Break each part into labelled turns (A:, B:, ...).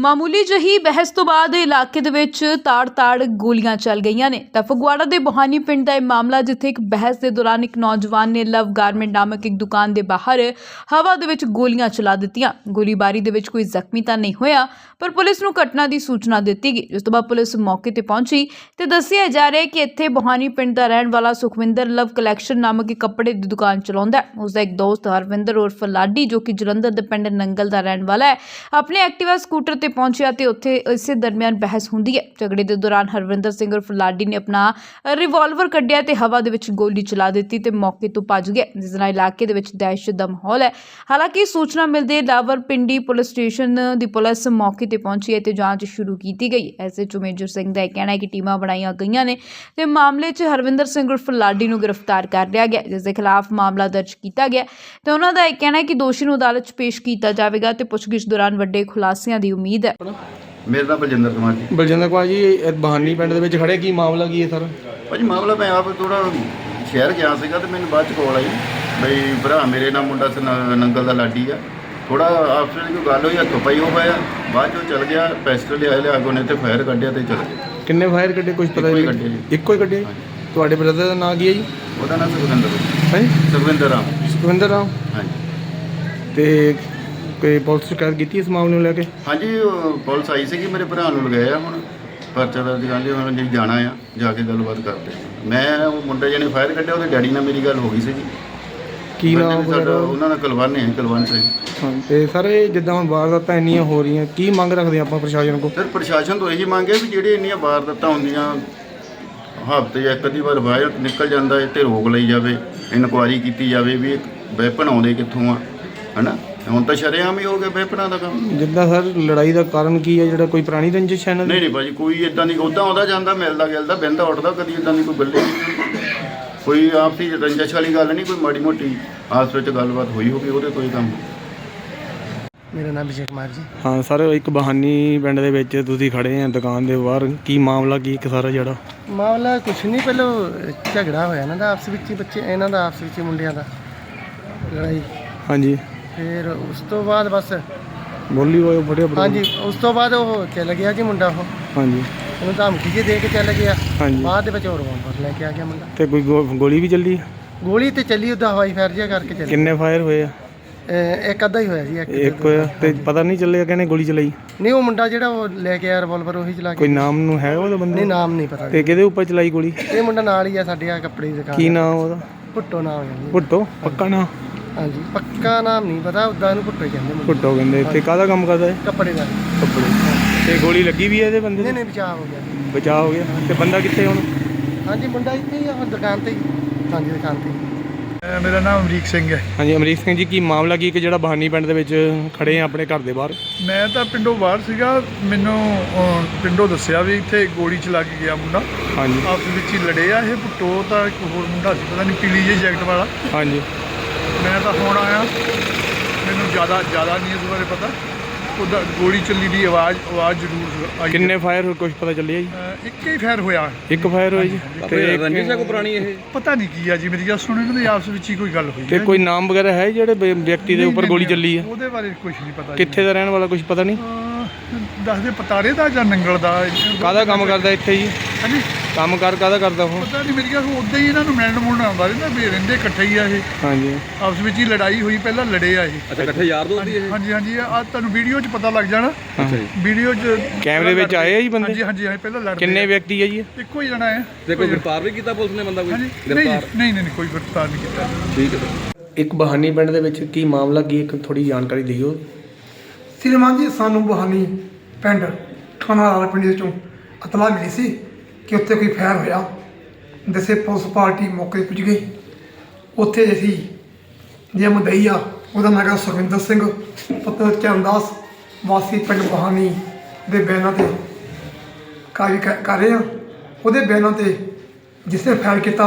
A: ਮਾਮੂਲੀ ਜਿਹੀ ਬਹਿਸ ਤੋਂ ਬਾਅਦ ਇਲਾਕੇ ਦੇ ਵਿੱਚ ਤਾੜ-ਤਾੜ ਗੋਲੀਆਂ ਚੱਲ ਗਈਆਂ ਨੇ ਤਾਂ ਫਗਵਾੜਾ ਦੇ ਬੋਹਾਨੀ ਪਿੰਡ ਦਾ ਇਹ ਮਾਮਲਾ, ਜਿੱਥੇ ਇੱਕ ਬਹਿਸ ਦੇ ਦੌਰਾਨ ਇੱਕ ਨੌਜਵਾਨ ਨੇ ਲਵ ਗਾਰਮੈਂਟ ਨਾਮਕ ਇੱਕ ਦੁਕਾਨ ਦੇ ਬਾਹਰ ਹਵਾ ਦੇ ਵਿੱਚ ਗੋਲੀਆਂ ਚਲਾ ਦਿੱਤੀਆਂ। ਗੋਲੀਬਾਰੀ ਦੇ ਵਿੱਚ ਕੋਈ ਜ਼ਖਮੀ ਤਾਂ ਨਹੀਂ ਹੋਇਆ, ਪਰ ਪੁਲਿਸ ਨੂੰ ਘਟਨਾ ਦੀ ਸੂਚਨਾ ਦਿੱਤੀ ਗਈ, ਜਿਸ ਤੋਂ ਬਾਅਦ ਪੁਲਿਸ ਮੌਕੇ ਤੇ ਪਹੁੰਚੀ ਤੇ ਦੱਸਿਆ ਜਾ ਰਿਹਾ ਹੈ ਕਿ ਇੱਥੇ ਬੋਹਾਨੀ ਪਿੰਡ ਦਾ ਰਹਿਣ ਵਾਲਾ ਸੁਖਵਿੰਦਰ ਲਵ ਕਲੈਕਸ਼ਨ ਨਾਮਕ ਇੱਕ ਕੱਪੜੇ ਦੀ ਦੁਕਾਨ ਚਲਾਉਂਦਾ ਹੈ। ਉਸਦਾ ਇੱਕ ਦੋਸਤ ਹਰਵਿੰਦਰ ਉਰਫ ਲਾਡੀ, ਜੋ ਕਿ ਜਲੰਧਰ ਦੇ ਪਿੰਡ ਨੰਗਲ ਦਾ ਰਹਿਣ ਵਾਲਾ ਹੈ, ਆਪਣੇ ਐਕਟਿਵਾ ਸਕੂਟਰ ਤੇ ਪਹੁੰਚਿਆ ਤੇ ਉੱਥੇ ਇਸੇ ਦਰਮਿਆਨ ਬਹਿਸ ਹੁੰਦੀ ਹੈ। ਝਗੜੇ ਦੇ ਦੌਰਾਨ ਹਰਵਿੰਦਰ ਸਿੰਘ ਉਰਫ ਲਾਡੀ ਨੇ ਆਪਣਾ ਰਿਵਾਲਵਰ ਕੱਢਿਆ ਤੇ ਹਵਾ ਦੇ ਵਿੱਚ ਗੋਲੀ ਚਲਾ ਦਿੱਤੀ ਤੇ ਮੌਕੇ ਤੋਂ ਭੱਜ ਗਿਆ, ਜਿਸ ਨਾਲ ਇਲਾਕੇ ਦੇ ਵਿੱਚ ਦਹਿਸ਼ਤ ਦਾ ਮਾਹੌਲ ਹੈ। ਹਾਲਾਂਕਿ ਸੂਚਨਾ ਮਿਲਦੇ ਰਾਵਲਪਿੰਡੀ ਪੁਲਿਸ ਸਟੇਸ਼ਨ ਦੀ ਪੁਲਿਸ ਮੌਕੇ ਤੇ ਪਹੁੰਚੀ ਹੈ ਤੇ ਜਾਂਚ ਸ਼ੁਰੂ ਕੀਤੀ ਗਈ। ਐਸਐਚਓ ਮੇਜਰ ਸਿੰਘ ਦਾ ਕਹਿਣਾ ਹੈ ਕਿ ਟੀਮਾਂ ਬਣਾਈਆਂ ਗਈਆਂ ਨੇ ਤੇ ਮਾਮਲੇ 'ਚ ਹਰਵਿੰਦਰ ਸਿੰਘ ਉਰਫ ਲਾਡੀ ਨੂੰ ਗ੍ਰਿਫਤਾਰ ਕਰ ਲਿਆ ਗਿਆ, ਜਿਸ ਦੇ ਖਿਲਾਫ ਮਾਮਲਾ ਦਰਜ ਕੀਤਾ ਗਿਆ ਤੇ ਉਹਨਾਂ ਦਾ ਇਹ ਕਹਿਣਾ ਹੈ ਕਿ ਦੋਸ਼ੀ ਨੂੰ ਅਦਾਲਤ 'ਚ ਪੇਸ਼ ਕੀਤਾ ਜਾਵੇਗਾ ਤੇ ਪੁੱਛਗਿੱਛ ਦੌਰਾਨ ਵੱਡੇ ਖੁਲਾਸਿਆਂ ਦੀ ਉਮੀਦ ਹੈ।
B: ਮੇਰਾ ਨਾਮ ਬਲਜਿੰਦਰ ਕੁਮਾਰ ਜੀ।
C: ਬਲਜਿੰਦਰ ਕੁਮਾਰ ਜੀ, ਇਹ ਬਹਾਨੀ ਪਿੰਡ ਦੇ ਵਿੱਚ ਖੜੇ, ਕੀ ਮਾਮਲਾ ਕੀ ਹੈ ਸਰ?
B: ਭਾਜੀ ਮਾਮਲਾ, ਮੈਂ ਆਪ ਥੋੜਾ ਸ਼ਹਿਰ ਗਿਆ ਸੀਗਾ ਤੇ ਮੈਨੂੰ ਬਾਅਦ ਚ ਕਾਲ ਆਈ ਬਈ ਭਰਾ ਮੇਰੇ ਨਾਲ ਮੁੰਡਾ ਨੰਗਲ ਦਾ ਲਾਡੀ ਆ, ਥੋੜਾ ਆਪਸ ਵਿੱਚ ਕੋਈ ਗੱਲ ਹੋਈ, ਹੱਥੋਂ ਪਾਈ ਹੋ ਪਾਇਆ, ਬਾਅਦ ਚੋਂ ਚਲ ਗਿਆ, ਪੈਸਟਲ ਲਿਆ ਅੱਗੋਂ ਨੇ ਤੇ ਫਾਇਰ ਕੱਢਿਆ ਤੇ ਚਲ ਗਿਆ।
C: ਕਿੰਨੇ ਫਾਇਰ ਕੱਢੇ ਕੁਝ ਪਤਾ ਨਹੀਂ? ਇੱਕੋ ਹੀ ਕੱਢੇ। ਤੁਹਾਡੇ ਬ੍ਰਦਰ ਦਾ ਨਾਂ ਕੀ ਹੈ ਜੀ?
B: ਉਹਦਾ ਨਾਮ ਸੁਖਵਿੰਦਰ
C: ਹੈ।
B: ਸੁਖਵਿੰਦਰ ਰਾਮ।
C: ਸੁਖਵਿੰਦਰ ਰਾਮ।
B: ਹਾਂਜੀ।
C: ਤੇ ਕੋਈ ਪੁਲਿਸ ਸ਼ਿਕਾਇਤ ਕੀਤੀ ਇਸ ਮਾਮਲੇ ਨੂੰ ਲੈ ਕੇ?
B: ਹਾਂਜੀ, ਪੁਲਿਸ ਆਈ ਸੀਗੀ, ਮੇਰੇ ਭਰਾ ਨੂੰ ਲਗਾਇਆ, ਹੁਣ ਪਰਚਾ ਦਰਜ ਕਰ ਲਿਆ, ਹੁਣ ਜੀ ਜਾਣਾ ਆ, ਜਾ ਕੇ ਗੱਲਬਾਤ ਕਰਦੇ। ਮੈਂ ਉਹ ਮੁੰਡੇ ਜਿਹਨੇ ਫਾਇਰ ਕੱਢਿਆ ਉਹਦੇ ਡੈਡੀ ਨਾਲ ਮੇਰੀ ਗੱਲ ਹੋ ਗਈ ਸੀਗੀ।
C: ਕੀ ਨਾਮ
B: ਸਾਡਾ? ਉਹਨਾਂ ਦਾ ਕੁਲਵੰਤ ਹੈ, ਕੁਲਵੰਤ ਸਿੰਘ।
C: ਹਾਂ, ਤੇ ਸਰ ਇਹ ਜਿੱਦਾਂ ਹੁਣ ਵਾਰਦਾਤਾਂ ਇੰਨੀਆਂ ਹੋ ਰਹੀਆਂ, ਕੀ ਮੰਗ ਰੱਖਦੇ ਆਪਾਂ ਪ੍ਰਸ਼ਾਸਨ ਕੋਲ?
B: ਸਰ ਪ੍ਰਸ਼ਾਸਨ ਤੋਂ ਇਹੀ ਮੰਗ ਹੈ ਵੀ ਜਿਹੜੇ ਇੰਨੀਆਂ ਵਾਰਦਾਤਾਂ ਹੁੰਦੀਆਂ, ਹਫ਼ਤੇ ਜਾਂ ਇੱਕ ਅੱਧੀ ਵਾਰ ਵਾਇਰ ਨਿਕਲ ਜਾਂਦਾ ਹੈ, ਤੇ ਰੋਕ ਲਈ ਜਾਵੇ, ਇਨਕੁਆਇਰੀ ਕੀਤੀ ਜਾਵੇ ਵੀ ਵੈਪਨ ਆਉਂਦੇ ਕਿੱਥੋਂ ਆ, ਹੈ ਨਾ। ਹੁਣ ਤਾਂ ਸ਼ਰੇਆਮ ਹੀ ਹੋ ਗਿਆ ਵੈਪਨਾਂ ਦਾ ਕੰਮ।
C: ਜਿੱਦਾਂ ਸਰ ਲੜਾਈ ਦਾ ਕਾਰਨ ਕੀ ਹੈ? ਜਿਹੜਾ ਕੋਈ ਪੁਰਾਣੀ ਰੰਜਿਸ਼ ਹੈ?
B: ਨਹੀਂ ਭਾਜੀ, ਕੋਈ ਇੱਦਾਂ ਦੀ, ਉੱਦਾਂ ਆਉਂਦਾ ਜਾਂਦਾ, ਮਿਲਦਾ ਗਿਲਦਾ, ਬਹਿੰਦਾ ਉੱਠਦਾ, ਕਦੀ ਇੱਦਾਂ ਦੀ ਕੋਈ ਗੱਲ ਨਹੀਂ, ਕੋਈ ਆਪਸੀ ਰੰਜਿਸ਼ ਵਾਲੀ ਗੱਲ ਨਹੀਂ, ਕੋਈ ਮਾੜੀ ਮੋਟੀ ਆਪਸ ਵਿੱਚ ਗੱਲਬਾਤ ਹੋਈ ਹੋਵੇ, ਉਹਦੇ ਕੋਈ ਕੰਮ।
D: ਮੇਰਾ ਨਾਮ ਵਿਜੇ ਕੁਮਾਰ ਜੀ।
C: ਹਾਂ ਸਰ, ਇੱਕ ਬਹਾਨੀ ਪਿੰਡ ਦੇ ਵਿੱਚ ਤੁਸੀਂ ਖੜੇ ਆ ਦੁਕਾਨ ਦੇ ਬਾਹਰ, ਕੀ ਮਾਮਲਾ ਕੀ ਇੱਕ ਸਾਰਾ ਜਿਹੜਾ
D: ਮਾਮਲਾ ਕੁਛ ਨਹੀਂ, ਪਹਿਲਾਂ ਝਗੜਾ ਹੋਇਆ ਇਹਨਾਂ ਦਾ ਆਪਸ ਵਿੱਚ ਹੀ, ਬੱਚੇ ਇਹਨਾਂ ਦਾ ਆਪਸ ਵਿੱਚ ਮੁੰਡਿਆਂ ਦਾ ਲੜਾਈ।
C: ਹਾਂਜੀ।
D: ਫਿਰ ਉਸ ਤੋਂ ਬਾਅਦ ਬਸ
C: ਬੋਲੀ ਹੋਏ ਬੜੇ।
D: ਹਾਂਜੀ, ਉਸ ਤੋਂ ਬਾਅਦ ਉਹ ਚੱਲ ਗਿਆ ਜੀ ਮੁੰਡਾ। ਉਹ
C: ਹਾਂਜੀ,
D: ਉਹਨੂੰ ਧਮਕੀ ਜਿਹੀ ਦੇ ਕੇ ਚੱਲ ਗਿਆ।
C: ਹਾਂਜੀ।
D: ਬਾਅਦ ਦੇ ਵਿੱਚ ਹੋਰ ਵਾਪਸ ਲੈ ਕੇ ਆ ਗਿਆ ਮੁੰਡਾ।
C: ਤੇ ਕੋਈ ਗੋਲੀ ਵੀ ਚੱਲੀ?
D: ਗੋਲੀ ਤੇ ਚੱਲੀ, ਉਹਦਾ ਹਵਾਈ ਫਾਇਰ ਜਿਹਾ ਕਰਕੇ ਚੱਲੀ।
C: ਕਿੰਨੇ ਫਾਇਰ ਹੋਏ ਆ?
D: ਇੱਕ ਅੱਧਾ ਹੀ ਹੋਇਆ ਜੀ।
C: ਇੱਕ ਹੋਇਆ ਤੇ ਪਤਾ ਨਹੀਂ ਚੱਲਿਆ ਕਿਹਨੇ ਗੋਲੀ ਚਲਾਈ?
D: ਨਹੀਂ, ਉਹ ਮੁੰਡਾ ਜਿਹੜਾ ਉਹ ਲੈ ਕੇ ਆਇਆ ਰਿਵਾਲਵਰ, ਉਹੀ ਚਲਾ ਕੇ।
C: ਕੋਈ ਨਾਮ ਨੂੰ ਹੈ ਉਹਦਾ ਬੰਦੇ?
D: ਨਹੀਂ, ਨਾਮ ਨਹੀਂ ਪਤਾ।
C: ਤੇ ਕਿਹਦੇ ਉੱਪਰ ਚਲਾਈ ਗੋਲੀ?
D: ਇਹ ਮੁੰਡਾ ਨਾਲ ਹੀ ਆ ਸਾਡੇ, ਆ ਕੱਪੜੇ ਦੀ ਦੁਕਾਨ।
C: ਕੀ ਨਾਮ ਉਹਦਾ?
D: ਭੁੱਟੋ ਨਾਮ ਹੈ ਜੀ।
C: ਭੁੱਟੋ? ਪੱਕਾ ਨਾਮ?
D: ਹਾਂਜੀ, ਪੱਕਾ ਨਾਮ ਨਹੀਂ ਪਤਾ, ਉੱਦਾਂ ਇਹਨੂੰ ਭੁੱਟੋ ਕਹਿੰਦੇ ਮੁੰਡੇ।
C: ਭੁੱਟੋ ਕਹਿੰਦੇ। ਤੇ ਕਾਹਦਾ ਕੰਮ ਕਰਦਾ ਹੈ?
D: ਕੱਪੜੇ ਦਾ।
C: ਕੱਪੜੇ। ਤੇ ਗੋਲੀ ਲੱਗੀ ਵੀ ਹੈ ਇਹਦੇ ਬੰਦੇ?
D: ਨਹੀਂ, ਬਚਾਅ ਹੋ ਗਿਆ।
C: ਬਚਾਅ ਹੋ ਗਿਆ। ਤੇ ਬੰਦਾ ਕਿੱਥੇ ਹੁਣ?
D: ਹਾਂਜੀ, ਮੁੰਡਾ ਇੱਥੇ ਹੀ ਆ, ਹੁਣ ਦੁਕਾਨ ਤੇ ਹੀ। ਹਾਂਜੀ, ਦੁਕਾਨ ਤੇ ਹੀ।
E: ਮੇਰਾ ਨਾਮ ਅਮਰੀਕ ਸਿੰਘ ਹੈ।
C: ਹਾਂਜੀ, ਅਮਰੀਕ ਸਿੰਘ ਜੀ, ਕੀ ਮਾਮਲਾ ਕੀ ਕਿ ਜਿਹੜਾ ਬਹਾਨੀ ਪਿੰਡ ਦੇ ਵਿੱਚ ਖੜੇ ਆ ਆਪਣੇ ਘਰ ਦੇ ਬਾਹਰ?
E: ਮੈਂ ਤਾਂ ਪਿੰਡੋਂ ਬਾਹਰ ਸੀਗਾ, ਮੈਨੂੰ ਪਿੰਡੋਂ ਦੱਸਿਆ ਵੀ ਇੱਥੇ ਗੋਲੀ ਚਲਾ ਕੇ ਗਿਆ ਮੁੰਡਾ।
C: ਹਾਂਜੀ।
E: ਆਪਸ ਵਿੱਚ ਹੀ ਲੜੇ ਆ। ਇਹ ਭੁੱਟੋ ਤਾਂ ਇੱਕ ਹੋਰ ਮੁੰਡਾ ਸੀ, ਪਤਾ ਨਹੀਂ ਪੀਲੀ ਜਿਹੀ ਜੈਕਟ ਵਾਲਾ।
C: ਹਾਂਜੀ।
E: ਮੈਂ ਤਾਂ ਹੁਣ ਆਇਆ, ਮੈਨੂੰ ਜ਼ਿਆਦਾ ਨਹੀਂ ਇਸ ਬਾਰੇ ਪਤਾ। ਉਹਦਾ ਗੋਲੀ ਚੱਲੀ ਦੀ ਆਵਾਜ਼ ਜ਼ਰੂਰ ਆਈ।
C: ਕਿੰਨੇ ਫਾਇਰ ਹੋਏ ਕੁਝ ਪਤਾ ਚੱਲਿਆ ਜੀ?
E: ਇੱਕ ਹੀ ਫਾਇਰ ਹੋਇਆ।
C: ਇੱਕ ਫਾਇਰ ਹੋਇਆ ਜੀ। ਤੇ
F: ਰੰਜਿਸ਼ ਹੈ ਕੋਈ ਪੁਰਾਣੀ? ਇਹ
E: ਪਤਾ ਨਹੀਂ ਕੀ ਆ ਜੀ, ਮੇਰੀ ਗੱਲ ਸੁਣੋ, ਇਹਨਾਂ ਦੇ ਆਪਸ ਵਿੱਚ ਹੀ ਕੋਈ ਗੱਲ ਹੋਈ
C: ਤੇ ਕੋਈ ਨਾਮ ਵਗੈਰਾ ਹੈ ਜਿਹੜੇ ਵਿਅਕਤੀ ਦੇ ਉੱਪਰ ਗੋਲੀ ਚੱਲੀ ਹੈ?
E: ਉਹਦੇ ਬਾਰੇ ਕੁਝ ਨਹੀਂ ਪਤਾ।
C: ਕਿੱਥੇ ਦਾ ਰਹਿਣ ਵਾਲਾ ਕੁਝ ਪਤਾ ਨਹੀਂ?
E: ਦੱਸਦੇ ਪਤਾਰੇ ਦਾ ਜਾਂ ਨੰਗਲ ਦਾ।
C: ਕਾਹਦਾ ਕੰਮ ਕਰਦਾ ਇੱਥੇ ਜੀ?
E: ਹਾਂਜੀ,
C: ਕੰਮ ਕਾਹਦਾ ਕਰਦਾ ਉਹ?
E: ਪਤਾ ਨਹੀਂ, ਮੇਰੀ ਗੱਲ ਉੱਦਾਂ ਹੀ ਇਹਨਾਂ ਨੂੰ ਮਿਲਣ ਆਉਂਦਾ ਰਹਿੰਦਾ, ਵੀ ਰਹਿੰਦੇ ਇਕੱਠੇ ਹੀ ਆ ਇਹ।
C: ਹਾਂਜੀ।
E: ਆਪਸ ਵਿੱਚ ਹੀ ਲੜਾਈ ਹੋਈ, ਪਹਿਲਾਂ ਲੜੇ ਆ ਇਹ।
F: ਅੱਛਾ, ਇਕੱਠੇ ਯਾਰ ਦੋਸਤ ਹੀ ਇਹ?
E: ਹਾਂਜੀ, ਆ ਤੁਹਾਨੂੰ ਵੀਡੀਓ 'ਚ ਪਤਾ ਲੱਗ ਜਾਣਾ।
C: ਅੱਛਾ ਜੀ।
E: ਵੀਡੀਓ 'ਚ
C: ਕੈਮਰੇ ਵਿੱਚ ਆਏ ਆ ਜੀ ਬੰਦੇ?
E: ਹਾਂਜੀ, ਪਹਿਲਾਂ ਲੜਦੇ।
C: ਕਿੰਨੇ ਵਿਅਕਤੀ ਹੈ ਜੀ?
E: ਇੱਕੋ ਹੀ ਜਣਾ ਹੈ।
F: ਤੇ ਕੋਈ ਗ੍ਰਿਫਤਾਰ ਵੀ ਕੀਤਾ ਪੁਲਿਸ ਨੇ ਬੰਦਾ? ਕੋਈ ਗ੍ਰਿਫਤਾਰ?
E: ਨਹੀਂ, ਕੋਈ ਗ੍ਰਿਫਤਾਰ ਨਹੀਂ ਕੀਤਾ।
F: ਠੀਕ ਹੈ।
C: ਇੱਕ ਬਹਾਨੀ ਪਿੰਡ ਦੇ ਵਿੱਚ ਕੀ ਮਾਮਲਾ ਕੀ, ਇੱਕ ਥੋੜੀ ਜਾਣਕਾਰੀ ਦਿਓ।
G: ਸ੍ਰੀਮਾਨ ਜੀ, ਸਾਨੂੰ ਬਹਾਨੀ ਪਿੰਡ ਥਾਣਾ ਰਾਵਲਪਿੰਡੀ ਵਿੱਚੋਂ ਇਤਲਾਹ ਮਿਲੀ ਸੀ ਕਿ ਉੱਥੇ ਕੋਈ ਫਾਇਰ ਹੋਇਆ। ਦੱਸੇ ਪੁਲਿਸ ਪਾਰਟੀ ਮੌਕੇ 'ਤੇ ਪੁੱਜ ਗਈ। ਉੱਥੇ ਅਸੀਂ ਜੇ ਮੁਦਈ ਆ, ਉਹਦਾ ਨਾਂ ਹੈਗਾ ਸੁਖਵਿੰਦਰ ਸਿੰਘ ਪੁੱਤਰ ਚਰਨਦਾਸ, ਵਾਸੀ ਪਿੰਡ ਬਹਾਨੀ ਦੇ ਬਿਆਨਾਂ 'ਤੇ ਕਾਰਵਾਈ ਕਰ ਰਹੇ ਹਾਂ। ਉਹਦੇ ਬਿਆਨਾਂ 'ਤੇ ਜਿਸ ਨੇ ਫਾਇਰ ਕੀਤਾ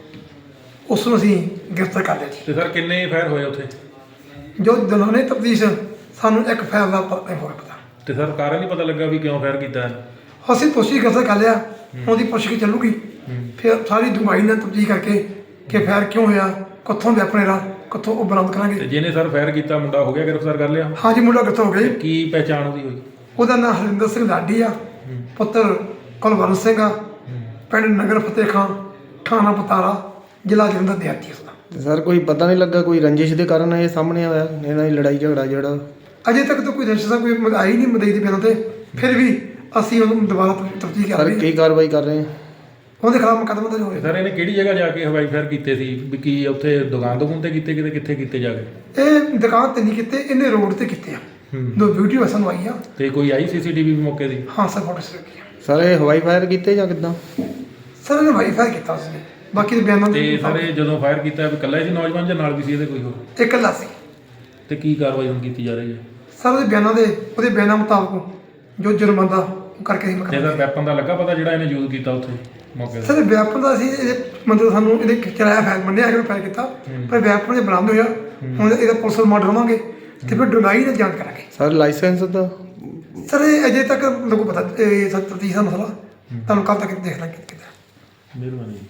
G: ਉਸ ਨੂੰ ਅਸੀਂ ਗ੍ਰਿਫਤਾਰ ਕਰ ਲਿਆ ਜੀ।
H: ਤੇ ਸਰ ਕਿੰਨੇ ਫਾਇਰ ਹੋਏ ਉੱਥੇ?
G: ਜੋ ਦੌਰਾਨੇ ਤਫਤੀਸ਼ ਸਾਨੂੰ ਇੱਕ ਫਾਇਰ ਦਾ ਪਤਾ।
H: ਤੇ ਸਰ ਕਾਰਨ ਨਹੀਂ ਪਤਾ ਲੱਗਾ ਵੀ ਕਿਉਂ ਫਾਇਰ ਕੀਤਾ?
G: ਅਸੀਂ ਪੁੱਛਗਿੱਛ ਗ੍ਰਿਫਤਾਰ ਕਰ ਲਿਆ, ਉਹਦੀ ਪੁੱਛਗਿੱਛ ਚੱਲੂਗੀ, ਫਿਰ ਸਾਰੀ ਡੂੰਘਾਈ ਨਾਲ ਤਫਤੀਸ਼ ਕਰਕੇ ਕਿ ਫਾਇਰ ਕਿਉਂ ਹੋਇਆ, ਕਿੱਥੋਂ ਵੈਪਨ ਦਾ, ਕਿੱਥੋਂ ਉਹ ਬਰਾਮਦ ਕਰਾਂਗੇ।
H: ਤੇ ਜਿਹਨੇ ਸਰ ਫਾਇਰ ਕੀਤਾ ਮੁੰਡਾ ਹੋ ਗਿਆ ਗ੍ਰਿਫਤਾਰ ਕਰ ਲਿਆ?
G: ਹਾਂਜੀ, ਮੁੰਡਾ ਗ੍ਰਿਫਤਾਰ ਹੋ ਗਿਆ ਜੀ।
H: ਕੀ ਪਹਿਚਾਣ ਉਹਦੀ ਹੋਈ?
G: ਉਹਦਾ ਨਾਮ ਹਰਿੰਦਰ ਸਿੰਘ ਲਾਡੀ ਆ, ਪੁੱਤਰ ਕੁਲਵੰਤ ਸਿੰਘ ਆ, ਪਿੰਡ ਨਗਰ ਫਤਿਹ ਖਾਂ, ਥਾਣਾ ਪਤਾਰਾ, ਜ਼ਿਲ੍ਹਾ ਜਲੰਧਰ ਦਿਹਾਤੀ ਉਸਦਾ।
C: ਤੇ ਸਰ ਕੋਈ ਪਤਾ ਨਹੀਂ ਲੱਗਾ ਕੋਈ ਰੰਜਿਸ਼ ਦੇ ਕਾਰਨ ਇਹ ਸਾਹਮਣੇ ਆਇਆ ਇਹਨਾਂ ਦੀ ਲੜਾਈ ਝਗੜਾ ਜਿਹੜਾ?
G: ਅਜੇ ਤੱਕ ਤਾਂ ਕੋਈ ਰੰਜਿਸ਼ ਕੋਈ ਆਈ ਨਹੀਂ ਮਦਈ ਦੇ ਬਿਨਾਂ ਤੇ, ਫਿਰ ਵੀ ਅਸੀਂ ਉਹਨੂੰ ਦੁਬਾਰਾ ਤਫਤੀਸ਼ ਕਰ
C: ਸਰ
G: ਰਹੇ ਹਾਂ।
C: ਕੀ ਕਾਰਵਾਈ ਕਰ ਰਹੇ ਆ?
G: ਉਹਦੇ ਖਿਲਾਫ ਮੁਕੱਦਮਾ ਦਰਜ ਹੋਇਆ।
H: ਸਰ ਇਹਨੇ ਕਿਹੜੀ ਜਗ੍ਹਾ ਜਾ ਕੇ ਹਵਾਈ ਫਾਇਰ ਕੀਤੇ ਸੀ ਵੀ ਕੀ ਉੱਥੇ ਦੁਕਾਨ ਤੇ ਕੀਤੇ ਕਿਤੇ ਕੀਤੇ ਜਾ ਕੇ?
G: ਇਹ ਦੁਕਾਨ ਤੇ ਨਹੀਂ ਕੀਤੇ, ਇਹਨੇ ਰੋਡ ਤੇ ਕੀਤੇ ਆ। ਦੋ ਵੀਡੀਓ ਸਾਨੂੰ ਆਈ ਆ।
H: ਤੇ ਕੋਈ ਆਈ ਸੀਸੀਟੀਵੀ ਮੌਕੇ ਦੀ?
G: ਹਾਂ ਸਰ, ਫੋਟੋ ਲੱਗੀ ਆ।
C: ਸਰ ਇਹ ਹਵਾਈ ਫਾਇਰ ਕੀਤੇ ਜਾਂ ਕਿੱਦਾਂ?
G: ਸਰ ਇਹਨੇ ਵਾਈਫਾਈ ਕੀਤਾ ਉਸਨੇ, ਬਾਕੀ ਦੇ ਬਿਆਨਾਂ
H: ਤੇ
G: ਦੇ
H: ਸਰ ਇਹ ਜਦੋਂ ਫਾਇਰ ਕੀਤਾ ਵੀ ਇਕੱਲਾ ਹੀ ਸੀ ਨੌਜਵਾਨ ਜਾਂ ਨਾਲ ਵੀ ਸੀ ਇਹਦੇ ਕੋਈ ਹੋਰ?
G: ਇਹ ਇਕੱਲਾ ਸੀ।
H: ਤੇ ਕੀ ਕਾਰਵਾਈ ਹੁਣ ਕੀਤੀ ਜਾ ਰਹੀ ਹੈ?
G: ਸਰ ਉਹਦੇ ਬਿਆਨਾਂ ਮੁਤਾਬਕ ਜੋ ਜੁਰਮਾਨਾ ਉਹ ਕਰਕੇ ਹੀ
H: ਤੇ
G: ਮੁਕੱਦਮਾ।
H: ਇਹਦਾ ਵੈਪਨ ਦਾ ਲੱਗਾ ਪਤਾ ਜਿਹੜਾ ਇਹਨੇ ਯੂਜ਼ ਕੀਤਾ ਉੱਥੇ ਮੌਕੇ ਤੇ?
G: ਸਰ ਵਿਆਪਨ ਦਾ ਅਸੀਂ ਇਹਦੇ ਮਤਲਬ ਸਾਨੂੰ ਇਹਦੇ ਕਿਰਾਇਆ ਫਾਇਲ ਮੰਨਿਆ ਹੈਗਾ ਫਾਇਲ ਕੀਤਾ, ਪਰ ਵਿਆਪਨ ਦੇ ਬਰਾਮਦ ਹੋਇਆ। ਹੁਣ ਇਹਦਾ ਪੁਲਿਸ ਰਿਮਾਂਡ ਲਵਾਂਗੇ ਤੇ ਫਿਰ ਡੁੰਗਾਈ ਦਾ ਜਾਂਚ ਕਰਾਂਗੇ।
C: ਸਰ ਲਾਇਸੈਂਸ ਦਾ?
G: ਸਰ ਇਹ ਅਜੇ ਤੱਕ ਮੈਨੂੰ ਪਤਾ ਇਹ 37 ਦਾ ਮਸਲਾ ਤੁਹਾਨੂੰ ਕੱਲ੍ਹ ਤੱਕ ਦੇਖ ਲਾਂਗੇ ਕਿੱਦਾਂ।
H: ਮਿਹਰਬਾਨੀ ਜੀ।